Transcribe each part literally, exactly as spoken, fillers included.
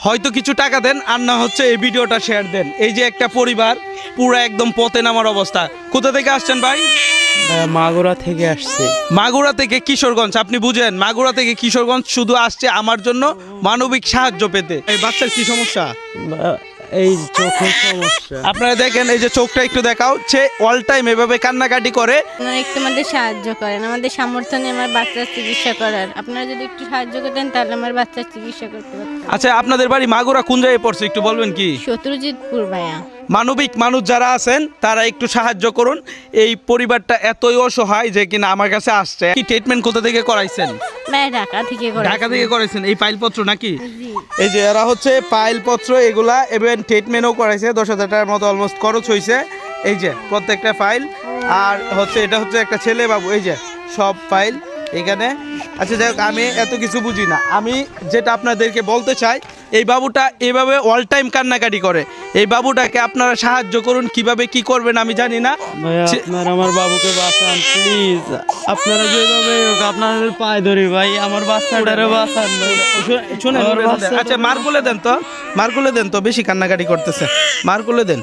হয়তো কিছু টাকা দেন, আর না হচ্ছে এই ভিডিওটা শেয়ার দেন। এই যে একটা পরিবার পুরো একদম পথে নামার অবস্থা। কোথা থেকে আসছেন ভাই? মাগুরা থেকে আসছে। মাগুরা থেকে কিশোরগঞ্জ। আপনি বুঝেন, মাগুরা থেকে কিশোরগঞ্জ শুধু আসছে আমার জন্য মানবিক সাহায্য পেতে। এই বাচ্চার কি সমস্যা? বা- এই চোখের সমস্যা। আপনারা দেখেন, এই যে চোখটা একটু দেখাও, সে অল টাইম এভাবে কান্নাকাটি করে। আপনারা একটু আমাদের সাহায্য করেন, আমাদের সামর্থ্য নেই আমার বাচ্চার চিকিৎসা করার। আপনারা যদি একটু সাহায্য করতেন তাহলে আমার বাচ্চার চিকিৎসা করতে পারতাম। আচ্ছা, আপনাদের বাড়ি মাগুরা কোন জায়গায় পড়ছে একটু বলবেন কি? শত্রুজিৎপুর ভাইয়া। মানবিক মানুষ যারা আছেন তারা একটু সাহায্য করুন। এই পরিবারটা এতই অসহায় যে কিনা আমার কাছে আসছে। কি ট্রিটমেন্ট কোথা থেকে করাইছেন? ভাইয়া ঢাকা থেকে করে। ঢাকা থেকে করাইছেন। এই ফাইলপত্র নাকি? জি। এই যে এরা হচ্ছে ফাইলপত্র এগুলা, এবং ট্রিটমেন্টও করাইছে। দশ হাজার টাকার মতো অলমোস্ট খরচ হয়েছে। এই যে প্রত্যেকটা ফাইল, আর হচ্ছে এটা হচ্ছে একটা ছেলে বাবু। এই যে সব ফাইল এখানে। আচ্ছা যাই হোক, আমি এত কিছু বুঝি না। আমি যেটা আপনাদেরকে বলতে চাই, এই বাবুটা এভাবে অল টাইম কান্নাকাটি করে। এই বাবুটাকে আপনারা সাহায্য করুন। কিভাবে কি করবেন আমি জানি না। ভাইয়া সে- আপনারা আমার বাবুকে বাঁচান প্লিজ। আপনারা যেভাবে হোক আপনাদের পায়ে ধরি ভাই, আমার বাচ্চাটারে বাঁচান ভাই। শুনেন, আমার শুনেন, বাচ্চাটা- আচ্ছা মারকুলে দেন তো, মারকুলে দেন তো, বেশি কান্নাকাটি করতেছে, মারকুলে দেন।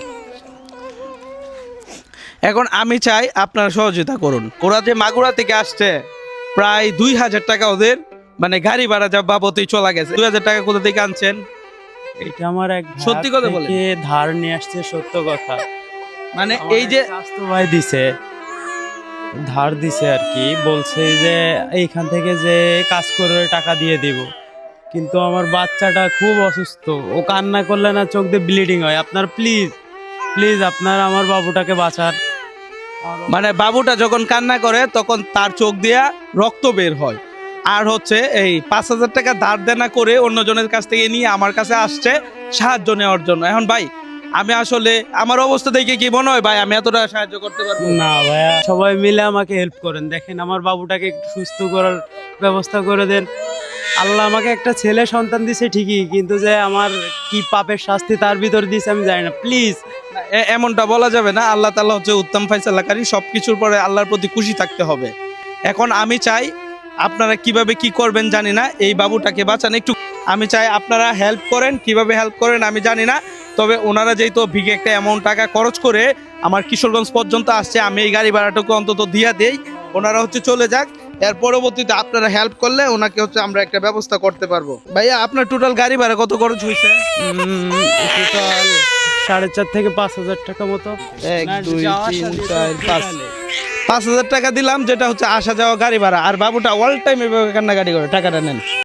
এখন আমি চাই আপনারা সহযোগিতা করুন। ওরা যে মাগুরা থেকে আসছে, প্রায় দুই হাজার টাকা ওদের মানে গাড়ি ভাড়া যা বাবদই চলা গেছে। দুই হাজার টাকা কোথা থেকে আনছেন? এটা আমার এক সত্যি কথা বলেন। থেকে ধার নিয়ে আসছে, সত্য কথা। মানে আমার এই যে এক স্বাস্থ্য ভাই দিছে, ধার দিছে আর কি, বলছে যে এইখান থেকে যে কাজ করে টাকা দিয়ে দিব। কিন্তু আমার বাচ্চাটা খুব অসুস্থ, ও কান্না করলে না চোখ দিয়ে ব্লিডিং হয়। আপনার প্লিজ প্লিজ আপনার আমার বাবুটাকে বাঁচান। মানে বাবুটা যখন কান্না করে তখন তার চোখ দিয়া রক্ত বের হয়। আর হচ্ছে এই পাঁচ হাজার টাকা ধার দেনা করে অন্যজনের কাছ থেকে নিয়ে আমার কাছে আসছে সাহায্য নেওয়ার জন্য। এখন ভাই আমি আসলে আমার অবস্থা দেখে কি মনে হয় ভাই আমি এতটা সাহায্য করতে পারবো? না ভাইয়া, সবাই মিলে আমাকে হেল্প করেন। দেখেন আমার বাবুটাকে একটু সুস্থ করার ব্যবস্থা করে দেন। আল্লাহ আমাকে একটা ছেলে সন্তান দিছে ঠিকই, কিন্তু যে আমার কি পাপের শাস্তি তার ভিতর দিছে আমি জানি না। প্লিজ এ- এমনটা বলা যাবে না। আল্লাহ তাআলা হচ্ছে উত্তম ফায়সালাকারী, সব কিছুর পরে আল্লাহর প্রতি খুশি থাকতে হবে। এখন আমি চাই আপনারা কিভাবে কি করবেন জানি না, এই বাবুটাকে বাঁচান একটু। আমি চাই আপনারা হেল্প করেন। কিভাবে হেল্প করেন আমি জানি না, তবে ওনারা যেহেতু বিগে একটা অ্যামাউন্ট টাকা খরচ করে আমার কিশোরগঞ্জ পর্যন্ত আসছে, আমি এই গাড়ি ভাড়াটুকু অন্তত দিয়া দেই। ওনারা হচ্ছে চলে যাক, এর পরবর্তীতে আপনারা হেল্প করলে ওনাকে হচ্ছে আমরা একটা ব্যবস্থা করতে পারবো। ভাইয়া আপনার টোটাল গাড়ি ভাড়া কত খরচ হয়েছে? টোটাল সাড়ে চার থেকে পাঁচ হাজার টাকা মতো। এক না, দুই যাওয়া তিন আসা দিতে চার পাঁচ টোটালে। পাঁচ হাজার টাকা দিলাম, যেটা হচ্ছে আসা যাওয়া গাড়ি ভাড়া। আর বাবুটা অল টাইম এভাবে কান্নাকাটি করে, টাকাটা নেন।